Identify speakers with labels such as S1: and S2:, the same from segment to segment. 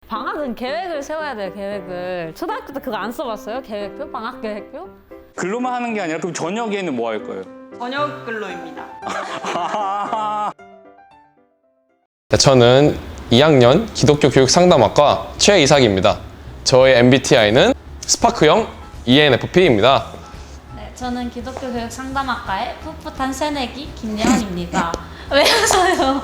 S1: 방학은 계획을 세워야 돼요, 계획을. 초등학교 때 그거 안 써봤어요? 계획표? 방학 계획표?
S2: 근로만 하는 게 아니라 그럼 저녁에는 뭐 할 거예요?
S3: 저녁 근로입니다.
S4: 저는 2학년 기독교 교육 상담학과 최이삭입니다. 저의 MBTI는 스파크형 ENFP입니다.
S1: 네, 저는 기독교 교육 상담학과의 풋풋한 새내기 김예원입니다. 왜 웃어요?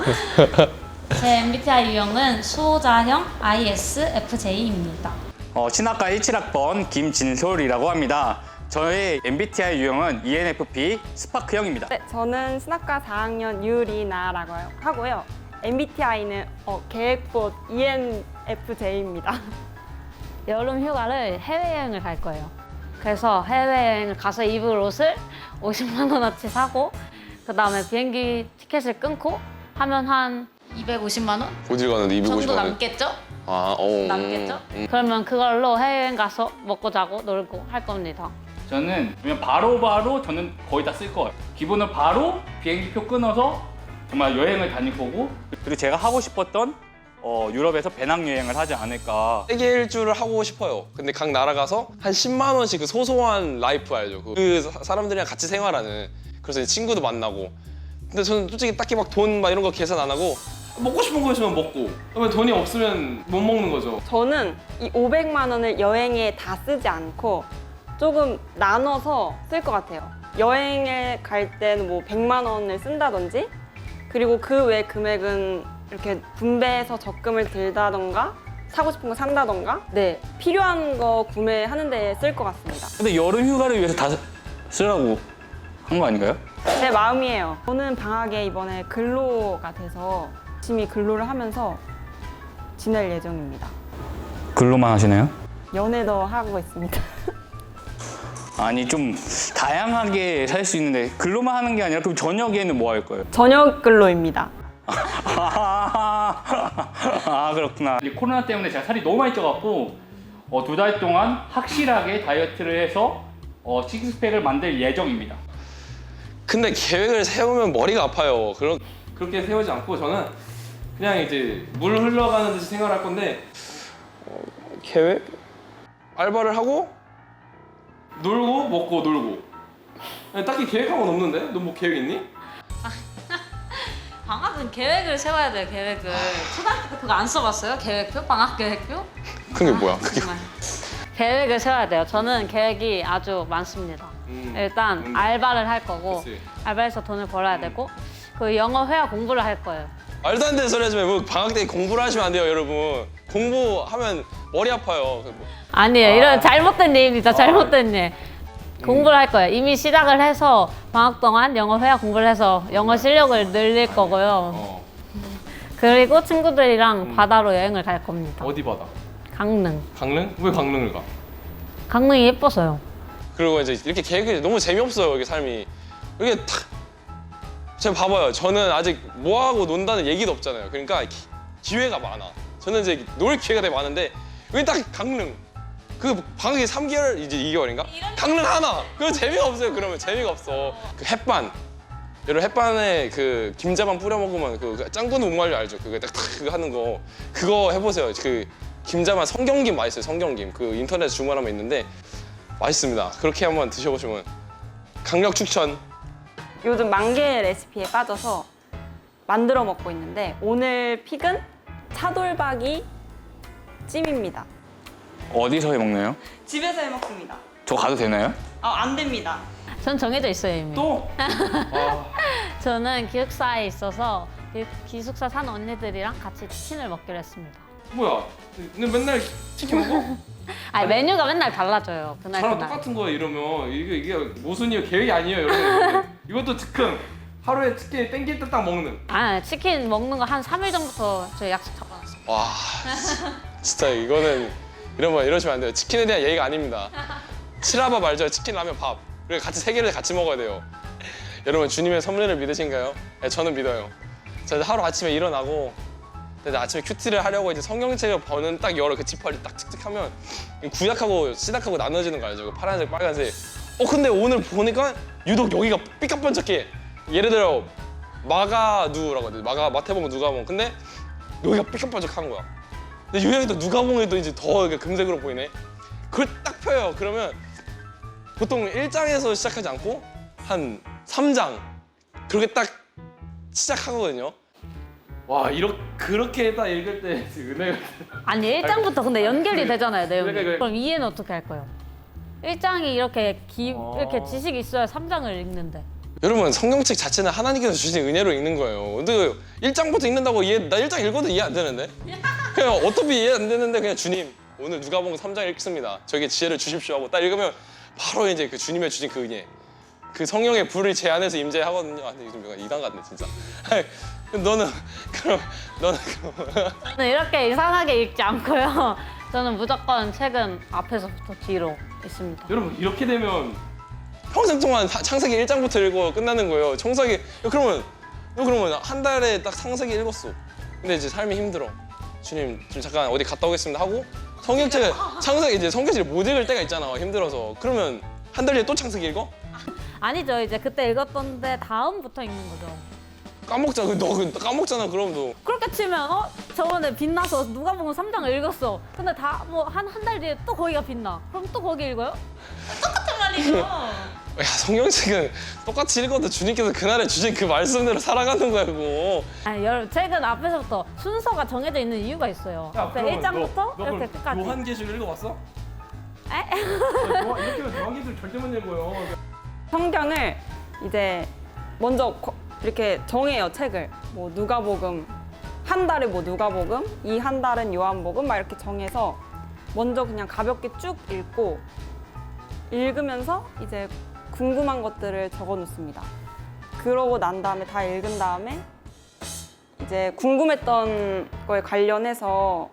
S1: 제 MBTI 유형은 수호자형 ISFJ입니다.
S2: 신학과 17학번 김진솔이라고 합니다. 저의 MBTI 유형은 ENFP 스파크형입니다.
S3: 네, 저는 신학과 4학년 유리나라고 하고요. MBTI는 계획봇 ENFJ입니다.
S1: 여름 휴가를 해외여행을 갈 거예요. 그래서 해외여행을 가서 입을 옷을 50만 원어치 사고 그 다음에 비행기 티켓을 끊고 하면 한 250만 원
S4: 어딜 가는데 250만
S1: 정도
S4: 원?
S1: 남겠죠?
S4: 남겠죠?
S1: 그러면 그걸로 해외여행 가서 먹고 자고 놀고 할 겁니다.
S2: 저는 그냥 바로바로 저는 거의 다 쓸 거예요. 기본은 바로 비행기표 끊어서 정말 여행을 다닐 거고, 그리고 제가 하고 싶었던 유럽에서 배낭여행을 하지 않을까.
S4: 세계 일주를 하고 싶어요. 근데 각 나라 가서 한 10만 원씩 그 소소한 라이프 알죠? 사람들이랑 같이 생활하는. 그래서 이제 친구도 만나고. 근데 저는 솔직히 딱히 막 돈 막 이런 거 계산 안 하고 먹고 싶은 거 있으면 먹고, 그러면 돈이 없으면 못 먹는 거죠.
S3: 저는 이 500만 원을 여행에 다 쓰지 않고 조금 나눠서 쓸 것 같아요. 여행에 갈 때는 뭐 100만 원을 쓴다든지, 그리고 그 외 금액은 이렇게 분배해서 적금을 들다던가 사고 싶은 거 산다던가, 네, 필요한 거 구매하는 데 쓸 것 같습니다.
S2: 근데 여름 휴가를 위해서 다 쓰라고 한 거 아닌가요?
S3: 제 마음이에요. 저는 방학에 이번에 근로가 돼서 열심히 근로를 하면서 지낼 예정입니다.
S2: 근로만 하시나요?
S3: 연애도 하고 있습니다.
S2: 아니 좀 다양하게 살 수 있는데 근로만 하는 게 아니라 그럼 저녁에는 뭐 할 거예요?
S3: 저녁 근로입니다.
S2: 아 그렇구나. 코로나 때문에 제가 살이 너무 많이 쪄갖고 2달 동안 확실하게 다이어트를 해서 식스팩을 만들 예정입니다.
S4: 근데 계획을 세우면 머리가 아파요.
S5: 그렇게 세우지 않고 저는 그냥 이제 물 흘러가는 듯이 생활할 건데,
S4: 계획? 알바를 하고
S5: 놀고 먹고 놀고. 아니, 딱히 계획한 건 없는데? 너 뭐 계획 있니?
S1: 방학은 계획을 세워야 돼요, 계획을. 초등학교 때 그거 안 써봤어요? 계획표? 방학 계획표?
S4: 그게 뭐야? 그게
S1: 정말. 계획을 세워야 돼요. 저는 계획이 아주 많습니다. 일단 알바를 할 거고,
S5: 그치.
S1: 알바해서 돈을 벌어야 되고, 그 영어 회화 공부를 할 거예요.
S4: 말도 안 되는 소리 하지 말고 방학 때 공부를 하시면 안 돼요, 여러분. 공부하면 머리 아파요.
S1: 아니에요. 이런 잘못된 예입니다. 잘못된 예. 공부를 할 거예요. 이미 시작을 해서 방학 동안 영어 회화 공부를 해서 영어 실력을 늘릴 거고요. 그리고 친구들이랑 바다로 여행을 갈 겁니다.
S5: 어디 바다?
S1: 강릉.
S5: 강릉? 왜 강릉을 가?
S1: 강릉이 예뻐서요.
S4: 그리고 이제 이렇게 계획이 너무 재미없어요, 이게 삶이. 이게 탁. 제가 봐봐요. 저는 아직 뭐하고 논다는 얘기도 없잖아요. 그러니까 기회가 많아. 저는 이제 놀 기회가 되게 많은데 왜 딱 강릉? 그 방학이 3개월, 이제 2개월인가? 강릉 하나! 그거 재미가 없어요. 그러면 재미가 없어. 그 햇반. 여러분 햇반에 그 김자반 뿌려 먹으면 그 짱구는 목말려 알죠? 그거 딱 그거 하는 거. 그거 해보세요. 그 김자반 성경김 맛있어요. 성경김. 그 인터넷 주문하면 있는데 맛있습니다. 그렇게 한번 드셔보시면 강력 추천.
S3: 요즘 만개 레시피에 빠져서 만들어 먹고 있는데, 오늘 픽은 차돌박이 찜입니다.
S2: 어디서 해 먹나요?
S3: 집에서 해 먹습니다.
S2: 저 가도 되나요?
S3: 안 됩니다.
S1: 전 정해져 있어요, 이미.
S5: 또?
S1: 저는 기숙사에 있어서 기숙사 산 언니들이랑 같이 치킨을 먹기로 했습니다.
S5: 뭐야? 근데 맨날 치킨 먹어?
S1: 아니, 메뉴가 맨날 달라져요. 그날
S5: 저랑
S1: 그날.
S5: 똑같은 거예요. 이러면 이게 모순이에요. 계획이 아니에요, 여러분. 이것도 즉흥. 하루에 치킨 땡길 때 딱 먹는.
S1: 아, 치킨 먹는 거 한 3일 전부터 저희 약속 잡아놨어요.
S4: 와, 진짜 이거는 이러시면 안 돼요. 치킨에 대한 예의가 아닙니다. 칠라밥 알죠? 치킨, 라면, 밥. 그리고 같이 세 개를 같이 먹어야 돼요. 여러분 주님의 섭리를 믿으신가요? 네, 저는 믿어요. 저 하루 아침에 일어나고 근데 아침에 큐티를 하려고 이제 성경책을 버는 딱 열어 그 지퍼를 딱 칙칙하면 구약하고 신약하고 나눠지는 거 알죠? 그 파란색, 빨간색. 근데 오늘 보니까 유독 여기가 삐까뻔쩍해. 예를 들어 마가누라고 해야 돼. 마태복음 누가복음. 근데 여기가 삐까뻔쩍한 거야. 근데 요양이 또 누가봉이 또 이제 더 이렇게 금색으로 보이네. 그걸 딱 펴요. 그러면 보통 1장에서 시작하지 않고 한 3장 그렇게 딱 시작하거든요.
S5: 와 그렇게 딱 읽을 때 은혜가
S1: 아니 1장부터 근데 연결이 되잖아요 내용이.
S5: 그러니까
S1: 그럼 이해는 어떻게 할 거예요? 1장이 이렇게 이렇게 지식이 있어야 3장을 읽는데.
S4: 여러분 성경책 자체는 하나님께서 주신 은혜로 읽는 거예요. 근데 1장부터 읽는다고 나 1장 읽어도 이해 안 되는데? 그냥 어차피 이해 안 되는데 그냥 주님 오늘 누가복음 3장 읽습니다. 저에게 지혜를 주십시오 하고 딱 읽으면 바로 이제 그 주님의 주신 그 은혜 그 성령의 불을 제 안에서 임재하거든요. 아, 근데 요즘 이단 같네 진짜. 너는 그럼
S1: 저는 이렇게 이상하게 읽지 않고요. 저는 무조건 책은 앞에서부터 뒤로 있습니다.
S5: 여러분 이렇게 되면
S4: 평생 동안 창세기 1장부터 읽고 끝나는 거예요. 그러면 한 달에 딱 창세기 읽었어. 근데 이제 삶이 힘들어. 주님 좀 잠깐 어디 갔다 오겠습니다 하고 성경책을 창세기 이제 성경책을 못 읽을 때가 있잖아. 힘들어서. 그러면 한 달 뒤에 또 창세기 읽어?
S1: 아니죠. 이제 그때 읽었던데 다음부터 읽는 거죠.
S4: 까먹잖아. 너 까먹잖아. 그럼 너.
S1: 그렇게 치면 저번에 빛나서 누가복음 3장을 읽었어. 근데 다 뭐 한 달 뒤에 또 거기가 빛나. 그럼 또 거기 읽어요? 똑같은 말이죠.
S4: 야 성경책은 똑같이 읽어도 주님께서 그날에 주신 그 말씀대로 살아가는 거야 그거.
S1: 아니 여러분 책은 앞에서부터 순서가 정해져 있는 이유가 있어요. 앞에 1장부터 이렇게 끝까지.
S5: 요한계시록 읽어봤어?
S1: 에?
S5: 이렇게 하면 요한계시록 절대 못 읽어요.
S3: 성경을 이제 먼저 이렇게 정해요 책을. 뭐 누가복음 한 달에 뭐 누가복음, 이 한 달은 요한복음 막 이렇게 정해서 먼저 그냥 가볍게 쭉 읽고 읽으면서 이제 궁금한 것들을 적어 놓습니다. 그러고 난 다음에 다 읽은 다음에 이제 궁금했던 거에 관련해서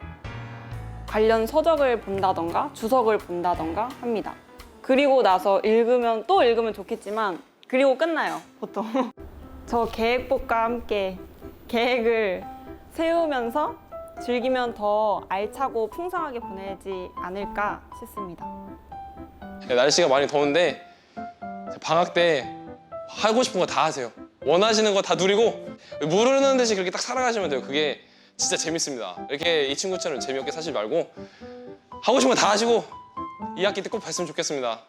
S3: 관련 서적을 본다던가 주석을 본다던가 합니다. 그리고 나서 읽으면 또 읽으면 좋겠지만 그리고 끝나요 보통. 저 계획법과 함께 계획을 세우면서 즐기면 더 알차고 풍성하게 보내지 않을까 싶습니다.
S4: 날씨가 많이 더운데 방학 때 하고 싶은 거 다 하세요. 원하시는 거 다 누리고 모르는 듯이 그렇게 딱 살아가시면 돼요. 그게 진짜 재밌습니다. 이렇게 이 친구처럼 재미없게 사지 말고 하고 싶은 거 다 하시고 2학기 때 꼭 봤으면 좋겠습니다.